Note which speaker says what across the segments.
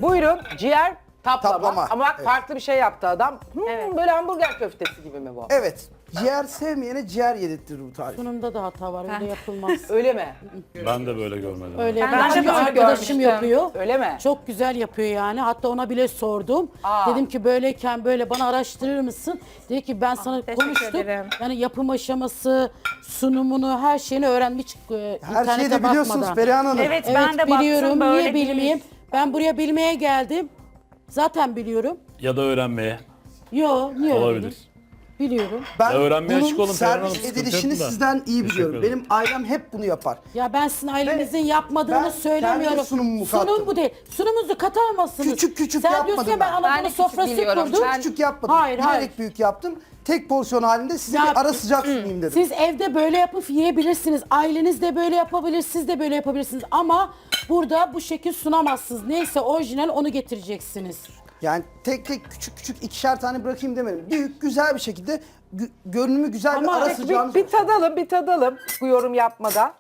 Speaker 1: Buyurun ciğer taplama.
Speaker 2: Taplama,
Speaker 1: Ama bak
Speaker 2: evet.
Speaker 1: farklı bir şey yaptı adam.
Speaker 3: Evet.
Speaker 1: Böyle hamburger köftesi gibi mi bu?
Speaker 2: Evet. Ciğer sevmeyene ciğer yedirtir bu tarif.
Speaker 4: Sunumda da hata var, öyle yapılmaz.
Speaker 1: Öyle mi?
Speaker 5: Ben de böyle görmedim.
Speaker 4: Öyle
Speaker 3: Ben
Speaker 4: ben
Speaker 3: de
Speaker 4: bir
Speaker 3: böyle
Speaker 4: arkadaşım
Speaker 3: görmüştüm.
Speaker 4: yapıyor.
Speaker 1: Öyle mi?
Speaker 4: Çok güzel yapıyor yani. Hatta ona bile sordum.
Speaker 1: Aa.
Speaker 4: Dedim ki böyleyken böyle bana araştırır mısın? Dedi ki ben sana
Speaker 3: teşekkür
Speaker 4: konuştum.
Speaker 3: ederim.
Speaker 4: Yani yapım aşaması, sunumunu, her şeyini öğrenmiş
Speaker 2: Her şeyi de biliyorsunuz
Speaker 4: bakmadan.
Speaker 2: Perihan Hanım.
Speaker 3: Evet,
Speaker 4: Evet
Speaker 3: ben de
Speaker 4: biliyorum.
Speaker 3: baktım böyle
Speaker 4: Niye bilmeyeyim?
Speaker 3: değil.
Speaker 4: Ben buraya bilmeye geldim. Zaten biliyorum.
Speaker 5: Ya da öğrenmeye.
Speaker 4: Yo, niye öyle
Speaker 5: Olabilir.
Speaker 4: dedim? Biliyorum.
Speaker 2: Ben
Speaker 5: Ya öğrenmeye açık
Speaker 2: bunun
Speaker 5: olun Perihan Hanım,
Speaker 2: servis
Speaker 5: sıkıntı
Speaker 2: edilişini
Speaker 5: yok da.
Speaker 2: sizden iyi biliyorum.
Speaker 5: ederim.
Speaker 2: Benim ailem hep bunu yapar.
Speaker 4: Ya ben sizin ailenizin
Speaker 2: ben
Speaker 4: yapmadığını söylemiyorum.
Speaker 2: kendi sunumumu
Speaker 4: Sunum
Speaker 2: kattım.
Speaker 4: bu değil. Sunumunuzu katamazsınız.
Speaker 2: Küçük küçük
Speaker 4: Sen
Speaker 2: yapmadım
Speaker 4: diyorsun ya ben
Speaker 2: ben.
Speaker 4: Anadolu
Speaker 3: Ben de küçük
Speaker 4: sofrası
Speaker 3: biliyorum.
Speaker 4: kurdum.
Speaker 3: Ben-
Speaker 2: Küçük yapmadım.
Speaker 4: Hayır,
Speaker 2: Bilerek
Speaker 4: hayır.
Speaker 2: büyük yaptım. Tek porsiyon halinde size
Speaker 4: Ya-
Speaker 2: bir ara sıcak sunayım dedim.
Speaker 4: Siz evde böyle yapıp yiyebilirsiniz. Aileniz de böyle yapabilir, siz de böyle yapabilirsiniz. Ama burada bu şekil sunamazsınız. Neyse orijinal onu getireceksiniz.
Speaker 2: Yani tek tek küçük küçük ikişer tane bırakayım demedim. Büyük güzel bir şekilde görünümü güzel
Speaker 4: Ama
Speaker 2: bir ara
Speaker 4: peki
Speaker 2: sıcağınız
Speaker 1: Bir tadalım bu yorum yapmadan.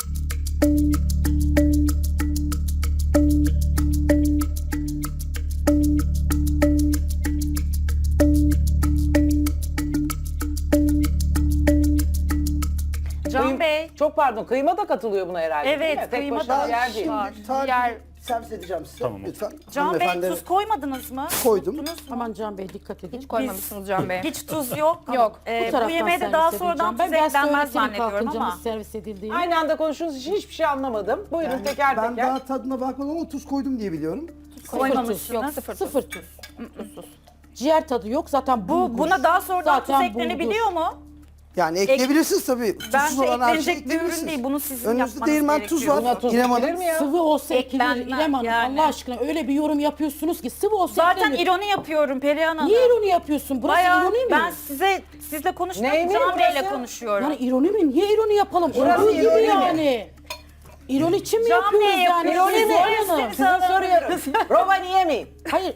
Speaker 3: Can Bey.
Speaker 1: Çok pardon kıyma da katılıyor buna herhalde değil
Speaker 3: Evet,
Speaker 1: mi? Tek
Speaker 3: kıyma
Speaker 1: başına
Speaker 3: da
Speaker 1: ciğer değil.
Speaker 3: var.
Speaker 2: Tarifi
Speaker 3: Diğer-
Speaker 2: servis edeceğim size.
Speaker 5: Tamam.
Speaker 2: Lütfen.
Speaker 3: Can Bey
Speaker 2: Hanımefendi-
Speaker 3: tuz koymadınız mı?
Speaker 2: Koydum.
Speaker 3: Unuttunuz mu?
Speaker 4: Aman Can Bey dikkat edin.
Speaker 6: Hiç koymamışsınız Can Bey.
Speaker 3: Hiç tuz yok.
Speaker 6: Yok.
Speaker 3: Bu
Speaker 4: taraftan
Speaker 3: yemeğe de
Speaker 4: servis
Speaker 3: daha
Speaker 4: edileceğim.
Speaker 3: sonradan
Speaker 4: Ben
Speaker 3: tuz
Speaker 4: size
Speaker 3: eklenmez
Speaker 4: öğretirim
Speaker 3: zannediyorum
Speaker 4: kalkınca
Speaker 3: ama.
Speaker 4: nasıl servis edildiğini.
Speaker 1: Aynı anda konuştuğunuz için hiçbir şey anlamadım. Buyurun
Speaker 2: Yani
Speaker 1: teker
Speaker 2: ben
Speaker 1: teker.
Speaker 2: daha tadına bakmadım ama tuz koydum diye biliyorum.
Speaker 3: Koymamışsınız.
Speaker 6: Yok sıfır.
Speaker 4: Sıfır tuz. Ciğer tadı yok zaten bulgur.
Speaker 3: Buna daha sonradan
Speaker 4: Zaten
Speaker 3: tuz eklenebiliyor mu?
Speaker 2: Yani ekleyebilirsiniz tabii.
Speaker 3: Bence
Speaker 2: Tuzsuz olan her şeyi
Speaker 3: eklenecek bir ürün
Speaker 2: ekleyebilirsiniz.
Speaker 3: değil. Bunu sizin
Speaker 2: Önünüzde
Speaker 3: yapmanız
Speaker 2: değirmen tuz
Speaker 3: gerekiyor.
Speaker 2: var.
Speaker 1: Buna tuz
Speaker 2: İrem
Speaker 1: ekilir
Speaker 2: Hanım.
Speaker 1: mi ya?
Speaker 4: Sıvı olsa ekilir
Speaker 3: Eklenmez
Speaker 4: İrem Hanım.
Speaker 3: yani.
Speaker 4: Allah aşkına öyle bir yorum yapıyorsunuz ki sıvı olsa
Speaker 3: Zaten
Speaker 4: eklenir.
Speaker 3: ironi yapıyorum Perihan Hanım.
Speaker 4: Niye ironi yapıyorsun? Burası
Speaker 3: Bayağı
Speaker 4: ironi mi?
Speaker 3: ben sizle konuşmuyorum.
Speaker 1: Neymiş
Speaker 3: Can Bey'le
Speaker 1: burası?
Speaker 3: konuşuyorum.
Speaker 4: Yani ironi mi? Niye ironi yapalım?
Speaker 1: Burası
Speaker 4: Olduğu gibi
Speaker 1: ironi mi?
Speaker 4: yani. İroni için mi
Speaker 3: Can
Speaker 4: yapıyoruz
Speaker 3: Bey
Speaker 4: yani?
Speaker 3: yapıyor,
Speaker 1: İroni mi?
Speaker 4: Zuhal Hanım.
Speaker 1: Size soruyorum. Roma niye mi?
Speaker 4: Hayır.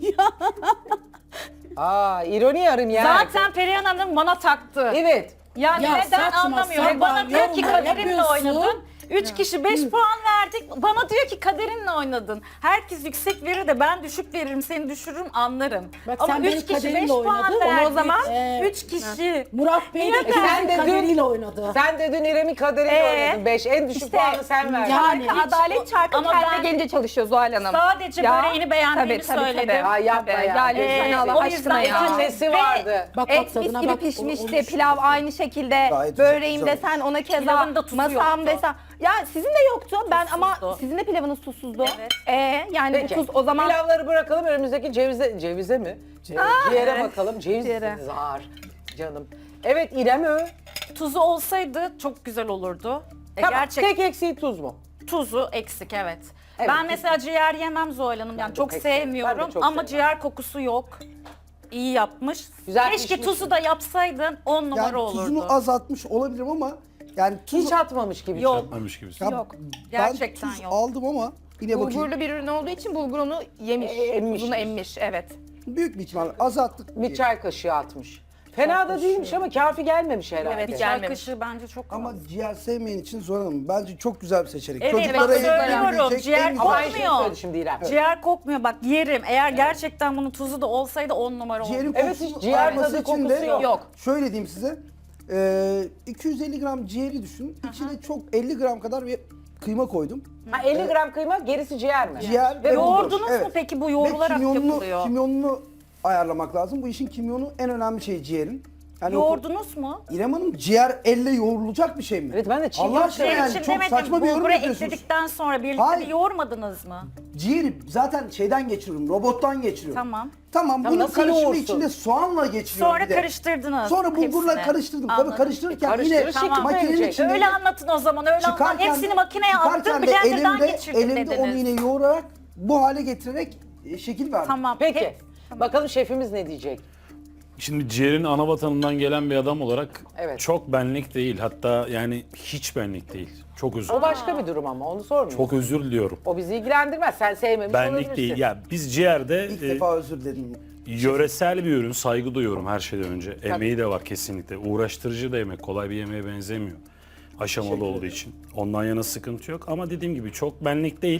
Speaker 1: Aa ironi yarım ya.
Speaker 3: Zaten Perihan Hanım bana taktı.
Speaker 1: Evet.
Speaker 3: Yani
Speaker 4: Ya
Speaker 3: neden
Speaker 4: saçma
Speaker 3: anlamıyorum.
Speaker 4: sapan
Speaker 3: Bana diyor ki
Speaker 4: yorumlar
Speaker 3: kaderinle
Speaker 4: yapıyorsun.
Speaker 3: oynadın. 3 kişi 5 puan verdik. Bana diyor ki kaderinle oynadın. Herkes yüksek verir de ben düşük veririm, seni düşürürüm anlarım.
Speaker 4: Bak
Speaker 3: Ama
Speaker 4: sen
Speaker 3: 3
Speaker 4: benim
Speaker 3: kişi 5
Speaker 4: kaderimle
Speaker 3: puan
Speaker 4: oynadın. Onu o
Speaker 3: verdik.
Speaker 4: zaman,
Speaker 3: 3 kişi.
Speaker 4: Murat Bey de
Speaker 1: sen de dün-
Speaker 4: kaderiyle oynadı.
Speaker 1: Sen de dün İrem'in kaderiyle oynadın 5. En düşük puanı sen verdin.
Speaker 4: Yani
Speaker 6: Çarkı,
Speaker 4: hiç-
Speaker 6: adalet çarkı
Speaker 3: Ama
Speaker 6: kendine
Speaker 3: ben-
Speaker 6: gelince çalışıyor Zuhal Hanım.
Speaker 3: Sadece
Speaker 6: Ya,
Speaker 3: böreğini beğendiğimi
Speaker 6: tabii, tabii,
Speaker 3: söyledim.
Speaker 6: tabii.
Speaker 1: Ay yapma
Speaker 6: Tabii,
Speaker 1: ya.
Speaker 6: ya lütfen Allah
Speaker 3: o
Speaker 6: aşkına
Speaker 3: yüzden
Speaker 6: ya.
Speaker 1: Etin nesi vardı?
Speaker 4: Bak
Speaker 6: Et mis
Speaker 4: tadına
Speaker 6: gibi
Speaker 4: bak,
Speaker 6: pişmişti,
Speaker 4: olmuş.
Speaker 6: pilav aynı şekilde,
Speaker 2: Gayet güzel,
Speaker 6: böreğim
Speaker 2: güzel.
Speaker 6: desen ona keza,
Speaker 3: Pilavın da tuzu
Speaker 6: masam
Speaker 3: yoktu.
Speaker 6: desen. Ya sizin de yoktu ben ama
Speaker 3: Tuzsuzdu.
Speaker 6: sizin de pilavınız tuzsuzdu.
Speaker 3: Evet.
Speaker 6: Yani
Speaker 1: Peki.
Speaker 6: bu tuz o zaman
Speaker 1: Pilavları bırakalım önümüzdeki cevize mi? Ciğere bakalım. Ceviz ağır canım. Evet İrem
Speaker 3: Tuzu olsaydı çok güzel olurdu.
Speaker 1: Tamam,
Speaker 3: Gerçek
Speaker 1: tek eksiği tuz mu?
Speaker 3: tuzu eksik evet.
Speaker 1: Evet,
Speaker 3: Ben mesela ciğer yemem Zuhal Hanım. Yani
Speaker 1: de
Speaker 3: çok
Speaker 1: pek sevmem. Ben
Speaker 3: sevmiyorum
Speaker 1: de çok
Speaker 3: ama
Speaker 1: sevmem.
Speaker 3: ciğer kokusu yok. İyi yapmış.
Speaker 1: Güzel
Speaker 3: Keşke
Speaker 1: pişmiş
Speaker 3: tuzu
Speaker 1: mi?
Speaker 3: da yapsaydın 10 numara
Speaker 2: Yani
Speaker 3: olurdu.
Speaker 2: tuzunu azaltmış olabilirim ama yani tuz
Speaker 1: Hiç atmamış gibi.
Speaker 3: Yok.
Speaker 5: Yapmamış gibisin.
Speaker 2: Ya
Speaker 6: yok.
Speaker 3: Gerçekten
Speaker 2: ben tuz
Speaker 3: yok.
Speaker 2: aldım ama yine bakayım.
Speaker 6: Bulgurlu bir ürün olduğu için bulgur onu yemiş.
Speaker 1: Emmiş.
Speaker 6: Tuzunu emmiş evet.
Speaker 2: Büyük bir ihtimalle azalttık.
Speaker 1: Bir çay kaşığı atmış. Fena da değilmiş ama kafi gelmemiş herhalde.
Speaker 3: Evet,
Speaker 6: Bir
Speaker 3: çay
Speaker 6: gelmemiş.
Speaker 3: kaşığı bence çok
Speaker 2: Ama
Speaker 3: az.
Speaker 2: ciğer sevmeyen için Zuhal Hanım bence çok güzel bir seçenek.
Speaker 3: Evet,
Speaker 2: Çocuklara
Speaker 3: bak söylüyorum,
Speaker 2: yenebilecek
Speaker 3: ciğer
Speaker 2: en güzel
Speaker 1: Ama
Speaker 2: şey.
Speaker 1: aynı şeyi
Speaker 3: Kokmuyor.
Speaker 1: söyledi şimdi İrem.
Speaker 3: Ciğer kokmuyor bak yerim. Eğer gerçekten bunun tuzu da olsaydı 10 numara olurdu.
Speaker 2: Ciğerin
Speaker 1: Evet,
Speaker 2: kokusu
Speaker 1: hiç ciğer
Speaker 2: alması
Speaker 1: tadı,
Speaker 2: için
Speaker 1: kokusu
Speaker 2: de
Speaker 1: yok.
Speaker 2: şöyle diyeyim size. 250 gram ciğeri düşün. İçine çok 50 gram kadar bir kıyma koydum.
Speaker 1: Ha, 50 gram kıyma gerisi ciğer mi?
Speaker 2: Ciğer
Speaker 1: Ve
Speaker 2: bulgur.
Speaker 3: Yoğurdunuz
Speaker 2: Evet.
Speaker 3: mu peki bu
Speaker 2: Ve
Speaker 3: yoğrularak yapılıyor?
Speaker 2: kimyonunu ayarlamak lazım. Bu işin kimyonu en önemli şey ciğerin. Yani
Speaker 3: Yoğurdunuz mu?
Speaker 2: İrem Hanım ciğer elle yoğrulacak bir şey mi?
Speaker 1: Evet, ben de çiğ
Speaker 2: Allah aşkına
Speaker 1: yoğurt
Speaker 2: yani
Speaker 3: için
Speaker 2: çok
Speaker 3: demedim.
Speaker 2: saçma bir yorum
Speaker 3: Bulgura
Speaker 2: yapıyorsunuz.
Speaker 3: ekledikten sonra birlikte
Speaker 2: Hayır.
Speaker 3: bir yoğurmadınız mı?
Speaker 2: Ciğeri zaten şeyden geçiriyorum, robottan geçiriyorum.
Speaker 3: Tamam.
Speaker 2: Tamam,
Speaker 1: Ya
Speaker 2: bunun
Speaker 1: nasıl
Speaker 2: karışımı
Speaker 1: yoğursun?
Speaker 2: içinde soğanla geçiriyorum
Speaker 3: Sonra
Speaker 2: bir de.
Speaker 3: karıştırdınız.
Speaker 2: Sonra bulgurla
Speaker 3: hepsini.
Speaker 2: karıştırdım.
Speaker 3: Anladım.
Speaker 2: Tabii karıştırırken
Speaker 1: Karıştırır,
Speaker 2: yine
Speaker 1: şekil
Speaker 2: makinenin
Speaker 1: verecek.
Speaker 2: içinde
Speaker 3: Öyle anlatın o zaman öyle anlatın. Hepsini makineye attım
Speaker 2: çıkarken de
Speaker 3: blenderdan geçirdim
Speaker 2: elimde onu
Speaker 3: dediniz.
Speaker 2: yine yoğurarak bu hale getirerek şekil verdim.
Speaker 3: Tamam.
Speaker 1: Peki. Bakalım şefimiz ne diyecek?
Speaker 5: Şimdi ciğerin ana vatanından gelen bir adam olarak
Speaker 1: Evet.
Speaker 5: çok benlik değil. Hatta yani hiç benlik değil. Çok özür
Speaker 1: O başka bir durum ama onu sormuyorum.
Speaker 5: Çok özür diliyorum.
Speaker 1: O bizi ilgilendirmez. Sen sevmemiş
Speaker 5: Benlik
Speaker 1: olabilirsin.
Speaker 5: değil. Ya biz ciğerde
Speaker 2: İlk defa özür diledim.
Speaker 5: yöresel bir ürün, saygı duyuyorum her şeyden önce. Emeği de var kesinlikle. Uğraştırıcı da yemek, kolay bir yemeğe benzemiyor. Aşamalı olduğu için. Ondan yana sıkıntı yok ama dediğim gibi çok benlik değil.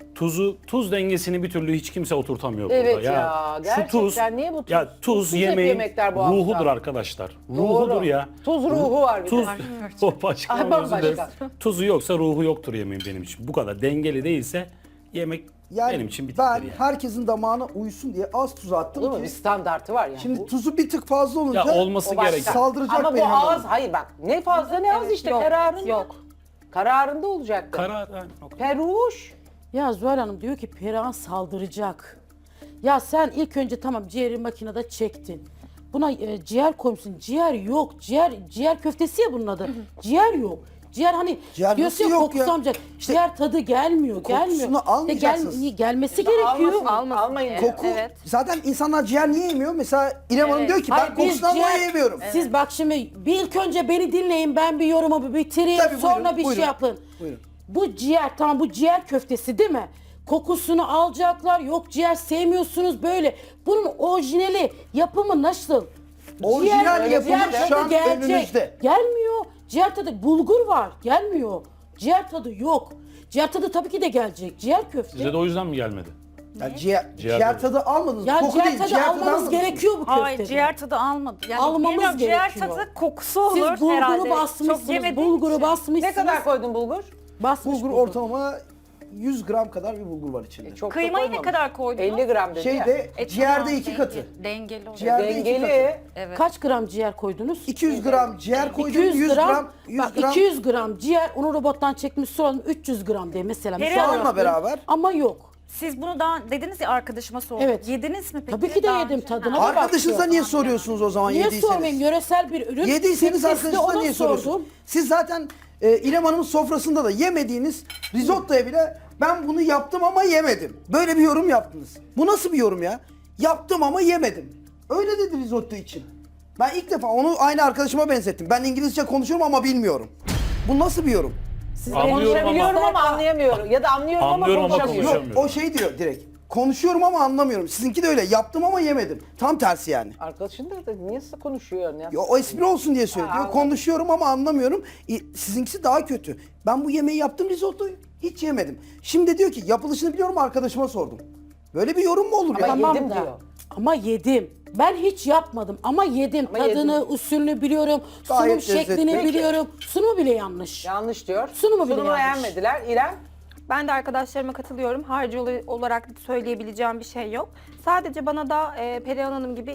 Speaker 5: tuz dengesini bir türlü hiç kimse oturtamıyor
Speaker 1: Evet
Speaker 5: burada.
Speaker 1: ya, gerçekten niye bu tuz?
Speaker 5: Ya tuz
Speaker 1: Tuzsuz hep
Speaker 5: yemeğin
Speaker 1: yemekler bu hafta.
Speaker 5: ruhudur arkadaşlar.
Speaker 1: Doğru.
Speaker 5: Ruhudur ya.
Speaker 1: Tuz ruhu var bir
Speaker 5: Tuz
Speaker 1: de.
Speaker 5: o başka.
Speaker 1: Ay,
Speaker 5: özür
Speaker 1: bambaşka.
Speaker 5: dilerim. Tuzu yoksa ruhu yoktur yemeğin benim için. Bu kadar dengeli değilse yemek
Speaker 2: Yani
Speaker 5: benim için bittir
Speaker 2: ben
Speaker 5: yani.
Speaker 2: herkesin damağına uysun diye az tuz attım
Speaker 1: Değil mi?
Speaker 2: ki.
Speaker 1: Bir standartı var yani.
Speaker 2: Şimdi
Speaker 1: Bu-
Speaker 2: tuzu bir tık fazla olunca
Speaker 5: Ya olması
Speaker 1: o başka.
Speaker 5: gereken.
Speaker 2: saldıracak
Speaker 1: Ama bu
Speaker 2: benim
Speaker 1: az,
Speaker 2: hanım.
Speaker 1: hayır bak ne fazla ne az işte
Speaker 6: Yok,
Speaker 1: kararında.
Speaker 6: yok.
Speaker 1: Kararında olacaktı.
Speaker 5: Karar. Yani, o kadar.
Speaker 1: Peruş.
Speaker 4: Ya Zuhal Hanım diyor ki Perihan saldıracak. Ya sen ilk önce tamam ciğeri makinede çektin. Buna ciğer koymuşsun. Ciğer yok. Ciğer köftesi ya bunun adı. Ciğer yok. Ciğer hani
Speaker 2: Ciğer
Speaker 4: diyorsun
Speaker 2: nasıl
Speaker 4: ya
Speaker 2: yok ya?
Speaker 4: kokusu almayacak.
Speaker 2: İşte
Speaker 4: ciğer tadı gelmiyor.
Speaker 2: kokusunu almayacaksınız.
Speaker 4: Gelmesi gerekiyor.
Speaker 1: Almayın.
Speaker 2: Koku,
Speaker 6: Evet.
Speaker 2: zaten insanlar ciğer niye yemiyor? Mesela İrem Hanım diyor ki ben
Speaker 4: Hayır, biz
Speaker 2: kokusundan dolayı yemiyorum.
Speaker 4: Siz bak şimdi bir ilk önce beni dinleyin, ben bir yorumumu bitireyim,
Speaker 2: Tabii, buyurun,
Speaker 4: sonra bir
Speaker 2: buyurun.
Speaker 4: şey yapın.
Speaker 2: Buyurun.
Speaker 4: Bu ciğer, tamam bu ciğer köftesi değil mi? Kokusunu alacaklar, yok ciğer sevmiyorsunuz böyle. Bunun orijinali, yapımı nasıl?
Speaker 2: Orijinal yapımı
Speaker 4: ciğer
Speaker 2: şu
Speaker 4: tadı
Speaker 2: an önünüzde.
Speaker 4: Gelmiyor. Ciğer tadı, bulgur var, gelmiyor. Ciğer tadı yok. Ciğer tadı tabii ki de gelecek. Ciğer köfte.
Speaker 5: Size de o yüzden mi gelmedi?
Speaker 2: Ya ciğer
Speaker 5: tadı.
Speaker 2: tadı almadınız.
Speaker 4: Ya
Speaker 2: Koku
Speaker 4: ciğer
Speaker 2: değil,
Speaker 4: tadı
Speaker 2: ciğer tadı
Speaker 4: almanız
Speaker 2: almadınız.
Speaker 4: gerekiyor bu köftede.
Speaker 3: Hayır ciğer tadı almadı. Yani
Speaker 4: Almamız
Speaker 3: bilmiyorum, ciğer
Speaker 4: gerekiyor.
Speaker 3: tadı kokusu olur
Speaker 4: Siz bulguru
Speaker 3: herhalde. Çok
Speaker 4: basmışsınız,
Speaker 3: yemediğim
Speaker 4: bulguru
Speaker 3: için.
Speaker 4: basmışsınız.
Speaker 1: Ne kadar koydun bulgur?
Speaker 4: Basmış
Speaker 2: Bulgur ortalama 100 gram kadar bir bulgur var içinde.
Speaker 1: Çok da
Speaker 3: Kıymayı ne
Speaker 1: koymamış.
Speaker 3: kadar koydunuz?
Speaker 1: 50 gram dedi ya.
Speaker 2: Şeyde ciğerde
Speaker 3: tamam,
Speaker 2: 2 katı.
Speaker 3: Dengeli olur.
Speaker 2: Ciğerde 2 katı.
Speaker 1: Dengeli.
Speaker 4: Kaç gram ciğer koydunuz?
Speaker 2: 200 gram ciğer koydum,
Speaker 4: 200
Speaker 2: 100 gram, 100
Speaker 4: bak
Speaker 2: gram
Speaker 4: 200 gram ciğer, onu robottan çekmiş soralım 300 gram diye mesela.
Speaker 3: Perihan
Speaker 2: soğanla beraber.
Speaker 4: Ama yok.
Speaker 3: Siz bunu daha dediniz ya arkadaşıma sordum.
Speaker 4: Evet.
Speaker 3: Yediniz mi peki?
Speaker 4: Tabii ki de
Speaker 3: Daha
Speaker 4: yedim,
Speaker 3: önce?
Speaker 4: tadına
Speaker 3: Ha.
Speaker 4: da
Speaker 2: Arkadaşınıza
Speaker 4: baktım.
Speaker 2: niye soruyorsunuz o zaman
Speaker 4: Niye
Speaker 2: yediyseniz?
Speaker 4: sormayayım? Yöresel bir ürün.
Speaker 2: Yediyseniz
Speaker 4: Sesli
Speaker 2: arkadaşınıza
Speaker 4: ona
Speaker 2: niye
Speaker 4: sordum.
Speaker 2: soruyorsunuz? Siz zaten İrem Hanım'ın sofrasında da yemediğiniz risottoya bile ben bunu yaptım ama yemedim. Böyle bir yorum yaptınız. Bu nasıl bir yorum ya? Yaptım ama yemedim. Öyle dedi risotto için. Ben ilk defa onu aynı arkadaşıma benzettim. Ben İngilizce konuşuyorum ama bilmiyorum. Bu nasıl bir yorum?
Speaker 5: Anlıyorum
Speaker 1: Konuşabiliyorum
Speaker 5: ama
Speaker 1: ama anlayamıyorum. Ya da anlıyorum
Speaker 5: Anlıyorum
Speaker 1: ama
Speaker 5: ama
Speaker 1: konuşamıyorum.
Speaker 5: konuşamıyorum.
Speaker 2: O şey diyor direkt. Konuşuyorum ama anlamıyorum. Sizinki de öyle. Yaptım ama yemedim. Tam tersi yani.
Speaker 1: Arkadaşın da niye konuşuyor ya?
Speaker 2: Ya o espri olsun diye söylüyor.
Speaker 1: anladım.
Speaker 2: Konuşuyorum ama anlamıyorum. Sizinkisi daha kötü. Ben bu yemeği yaptım risottoyu. Hiç yemedim. Şimdi diyor ki yapılışını biliyorum arkadaşıma sordum. Böyle bir yorum mu olur
Speaker 1: Ama
Speaker 2: ya?
Speaker 1: yedim
Speaker 4: Tamam da.
Speaker 1: diyor.
Speaker 4: Ama yedim. Ben hiç yapmadım ama yedim.
Speaker 1: Ama
Speaker 4: Tadını,
Speaker 1: yedim.
Speaker 4: usulünü biliyorum.
Speaker 2: Gayet
Speaker 4: Sunum şeklini
Speaker 2: lezzetli.
Speaker 4: biliyorum. Sunumu bile yanlış.
Speaker 1: Yanlış diyor.
Speaker 4: Sunumu bile yanlış.
Speaker 1: beğenmediler. İrem?
Speaker 6: Ben de arkadaşlarıma katılıyorum. Harcı olarak söyleyebileceğim bir şey yok. Sadece bana da Perihan Hanım gibi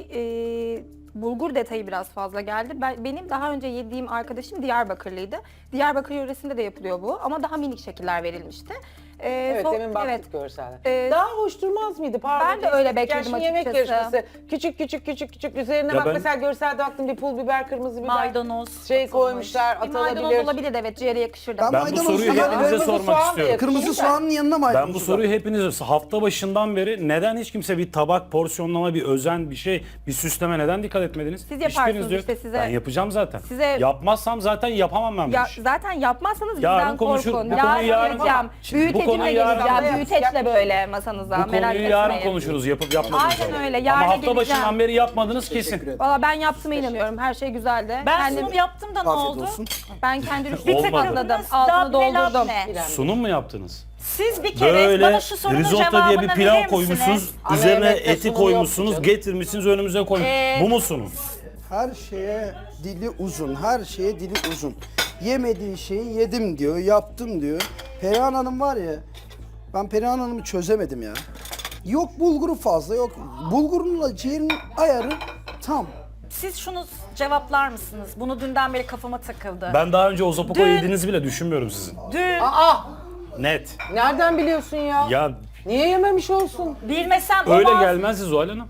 Speaker 6: bulgur detayı biraz fazla geldi. Benim daha önce yediğim arkadaşım Diyarbakırlıydı. Diyarbakır yöresinde de yapılıyor bu ama daha minik şekiller verilmişti.
Speaker 1: Evet, demin baktık
Speaker 6: evet.
Speaker 1: görselde. Daha hoş durmaz mıydı? Pardon.
Speaker 6: Ben de öyle
Speaker 1: Yani
Speaker 6: bekledim
Speaker 1: şimdi yemek
Speaker 6: açıkçası.
Speaker 1: yarışması. Küçük. Üzerine
Speaker 5: Ya
Speaker 1: bak
Speaker 5: ben-
Speaker 1: mesela görselde baktım bir pul biber, kırmızı biber.
Speaker 3: Maydanoz
Speaker 1: Şey
Speaker 3: atılmış.
Speaker 1: koymuşlar,
Speaker 6: Bir maydanoz
Speaker 1: atılabilir.
Speaker 6: olabilir evet ciğere yakışırdı.
Speaker 2: Ben
Speaker 5: Ben bu
Speaker 2: maydanoz
Speaker 5: soruyu
Speaker 2: falan-
Speaker 5: hepinize
Speaker 1: Kırmızı
Speaker 5: sormak
Speaker 1: soğan da
Speaker 5: istiyorum.
Speaker 1: yakışır.
Speaker 2: Kırmızı soğanın yanına maydanoz.
Speaker 5: Ben bu soruyu hepinize hafta başından beri neden hiç kimse bir tabak, porsiyonlama, bir özen, bir şey, bir süsleme neden dikkat etmediniz?
Speaker 6: Siz yaparsınız
Speaker 5: Hiçbiriniz yok.
Speaker 6: işte, size-
Speaker 5: Ben yapacağım zaten.
Speaker 6: Size-
Speaker 5: Yapmazsam zaten yapamam ben bu
Speaker 6: Ya
Speaker 5: işi.
Speaker 6: zaten yapmazsanız
Speaker 5: Yarın
Speaker 6: bizden
Speaker 5: konuşur-
Speaker 6: korkun.
Speaker 5: bu konuyu yarın-
Speaker 6: geleceğim.
Speaker 5: Şimdi bu
Speaker 6: Büyütecimle
Speaker 5: konuyu yarın-
Speaker 6: geleceğim. Büyüteçle böyle masanıza.
Speaker 5: Bu
Speaker 6: Merak
Speaker 5: konuyu yarın
Speaker 6: etmeyin.
Speaker 5: konuşuruz yapıp yapmadığınızı.
Speaker 6: Aynen öyle,
Speaker 5: Ama
Speaker 6: yarın
Speaker 5: hafta
Speaker 6: geleceğim.
Speaker 5: başından beri yapmadınız kesin.
Speaker 2: ederim.
Speaker 6: Valla ben yaptığıma inanıyorum. Her şey güzeldi.
Speaker 3: Ben
Speaker 6: Kendim-
Speaker 3: sunum yaptım da ne
Speaker 2: Afiyet
Speaker 3: oldu?
Speaker 2: olsun.
Speaker 6: Ben kendi rüştümü
Speaker 5: Olmadı.
Speaker 6: tamamladım. Altını
Speaker 3: Dabne
Speaker 6: doldurdum.
Speaker 3: labne.
Speaker 5: Sunum mu yaptınız?
Speaker 3: Siz bir kere
Speaker 5: Böyle
Speaker 3: bana şu sorunun
Speaker 5: risotto
Speaker 3: cevabını
Speaker 5: diye bir pilav
Speaker 3: verir
Speaker 5: koymuşsunuz,
Speaker 3: misiniz?
Speaker 1: Ana
Speaker 5: üzerine
Speaker 1: yemekte
Speaker 5: eti
Speaker 1: sunum
Speaker 5: koymuşsunuz,
Speaker 1: yoktu canım.
Speaker 5: getirmişsiniz önümüze koymuşsunuz. Bu mu sunum?
Speaker 2: Her şeye dili uzun. Her şeye dili uzun. Yemediği şeyi yedim diyor, yaptım diyor. Perihan Hanım var ya, ben Perihan Hanım'ı çözemedim ya. Yok bulguru fazla, yok. Bulgurunla ciğerin ayarı tam.
Speaker 3: Siz şunu cevaplar mısınız? Bunu dünden beri kafama takıldı.
Speaker 5: Ben daha önce ozopoko
Speaker 3: Dün-
Speaker 5: yediğinizi bile düşünmüyorum sizin.
Speaker 3: Dün
Speaker 1: Aa!
Speaker 5: Net.
Speaker 1: Nereden biliyorsun ya?
Speaker 5: Ya
Speaker 1: Niye yememiş olsun?
Speaker 3: bilmesem
Speaker 5: öyle
Speaker 3: olmaz.
Speaker 5: gelmez Zuhal Hanım.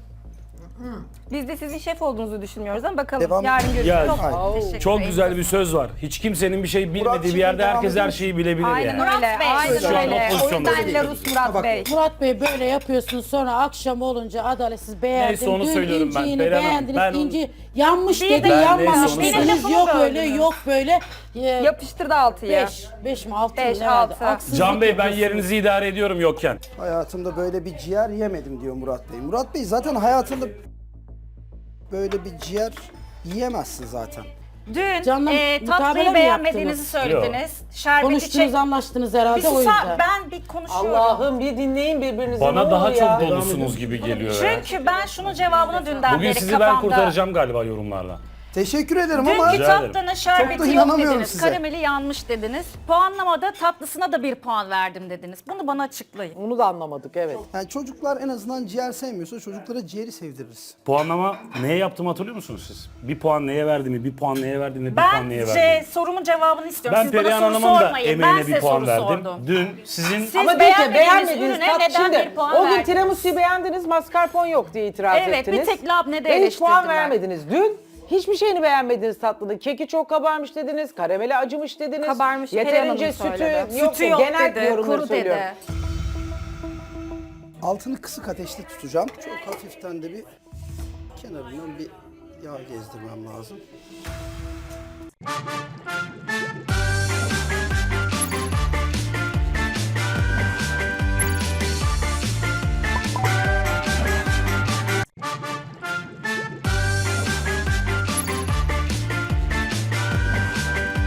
Speaker 6: Biz de sizin şef olduğunuzu düşünmüyoruz ama bakalım
Speaker 2: Devam-
Speaker 6: yarın görüşürüz.
Speaker 5: Ya
Speaker 6: Çok teşekkür
Speaker 5: çok
Speaker 6: ederim.
Speaker 5: güzel bir söz var. Hiç kimsenin bir şey bilmediği
Speaker 2: Murat,
Speaker 5: bir yerde
Speaker 2: şimdi
Speaker 5: herkes
Speaker 2: devam
Speaker 5: her şeyi bilebilir
Speaker 6: Aynen
Speaker 5: yani.
Speaker 6: öyle.
Speaker 3: Murat Bey,
Speaker 6: Aynen
Speaker 5: şu an o
Speaker 6: öyle. O
Speaker 5: pozisyonda
Speaker 6: yüzden
Speaker 5: değilim.
Speaker 6: Larus Murat
Speaker 2: Bak,
Speaker 6: Bey.
Speaker 4: Murat Bey böyle yapıyorsun sonra akşam olunca adaletsiz beğendin.
Speaker 5: Neyse, onu
Speaker 4: Dün
Speaker 5: söylüyorum ben.
Speaker 4: inciğini
Speaker 5: Beren Hanım,
Speaker 4: beğendiniz.
Speaker 5: ben-
Speaker 4: İnci yanmış
Speaker 3: Bir
Speaker 4: dedi,
Speaker 3: de-
Speaker 4: yanmamış
Speaker 5: neyse, onu
Speaker 4: dediniz.
Speaker 3: söyleyeyim.
Speaker 4: Yok
Speaker 3: Lafımı
Speaker 4: öyle,
Speaker 3: böldünüz.
Speaker 4: yok böyle.
Speaker 6: Yapıştırdı altıya.
Speaker 4: 5 mi 6 mı
Speaker 6: 5,
Speaker 4: ne herhalde?
Speaker 6: 6.
Speaker 4: Haksızlık
Speaker 5: Can Bey ben
Speaker 4: yapıyorsunuz.
Speaker 5: yerinizi idare ediyorum yokken.
Speaker 2: Hayatımda böyle bir ciğer yemedim diyor Murat Bey. Murat Bey zaten hayatında böyle bir ciğer yiyemezsin zaten.
Speaker 3: Dün
Speaker 4: Canım,
Speaker 3: tatlıyı
Speaker 4: mukabele mi
Speaker 3: beğenmediğinizi
Speaker 4: yaptınız?
Speaker 3: söylediniz. Şerbeti
Speaker 4: Konuştunuz, anlaştınız herhalde
Speaker 3: Bir
Speaker 4: o
Speaker 3: susa,
Speaker 4: yüzden.
Speaker 3: ben bir konuşuyorum.
Speaker 1: Allah'ım bir dinleyin birbirinizi. ne
Speaker 5: Bana daha
Speaker 1: olur ya.
Speaker 5: çok dolusunuz gibi geliyor ya.
Speaker 3: Çünkü ben şunun cevabını dünden
Speaker 5: Bugün
Speaker 3: beri
Speaker 5: sizi
Speaker 3: kafamda.
Speaker 5: ben kurtaracağım galiba yorumlarla.
Speaker 2: Teşekkür ederim ama
Speaker 3: Dünkü
Speaker 5: Rica ederim.
Speaker 3: tatlının
Speaker 2: Çok
Speaker 3: şerbeti
Speaker 2: da
Speaker 3: yok
Speaker 2: inanamıyorum
Speaker 3: dediniz.
Speaker 2: size.
Speaker 3: Karameli yanmış dediniz. Puanlamada tatlısına da 1 puan verdim dediniz. Bunu bana açıklayın.
Speaker 1: Onu da anlamadık evet.
Speaker 2: yani çocuklar en azından ciğer sevmiyorsa çocuklara ciğeri sevdiririz.
Speaker 5: Puanlama neye yaptığımı hatırlıyor musunuz siz? Bir puan neye verdiğimi, bir puan neye verdiğimi, bir puan neye verdiğimi.
Speaker 3: Sorumun cevabını istiyorum.
Speaker 5: Ben
Speaker 3: Siz bana
Speaker 5: Perihan
Speaker 3: soru
Speaker 5: Hanım'ın da
Speaker 3: sormayın. Ben
Speaker 5: emeğine
Speaker 3: size
Speaker 5: bir puan
Speaker 3: soru
Speaker 5: verdim.
Speaker 3: sordum.
Speaker 5: Dün sizin
Speaker 3: Siz
Speaker 1: Ama peki
Speaker 3: beğenmediğiniz
Speaker 1: beğenmediğiniz
Speaker 3: ürüne
Speaker 1: tat
Speaker 3: neden
Speaker 1: şimdi.
Speaker 3: bir puan
Speaker 1: O gün
Speaker 3: verdiniz?
Speaker 1: tiramisu'yu beğendiniz, mascarpone yok diye itiraz
Speaker 3: Evet,
Speaker 1: ettiniz.
Speaker 3: bir tek labnede
Speaker 1: Ve hiç puan
Speaker 3: eleştirdiler.
Speaker 1: vermediniz. Dün hiçbir şeyini beğenmediniz tatlının. Keki çok kabarmış dediniz, karameli acımış dediniz.
Speaker 6: Kabarmış,
Speaker 1: Yeterince
Speaker 6: Perihan Hanım
Speaker 1: sütü
Speaker 6: söyledi.
Speaker 1: yok.
Speaker 3: Sütü yok
Speaker 1: Genel
Speaker 3: dedi,
Speaker 1: yorumları
Speaker 3: kuru
Speaker 1: söylüyorum.
Speaker 3: dedi.
Speaker 2: Altını kısık ateşte tutacağım. Çok hafiften de bir kenarından bir yağ gezdirmem lazım.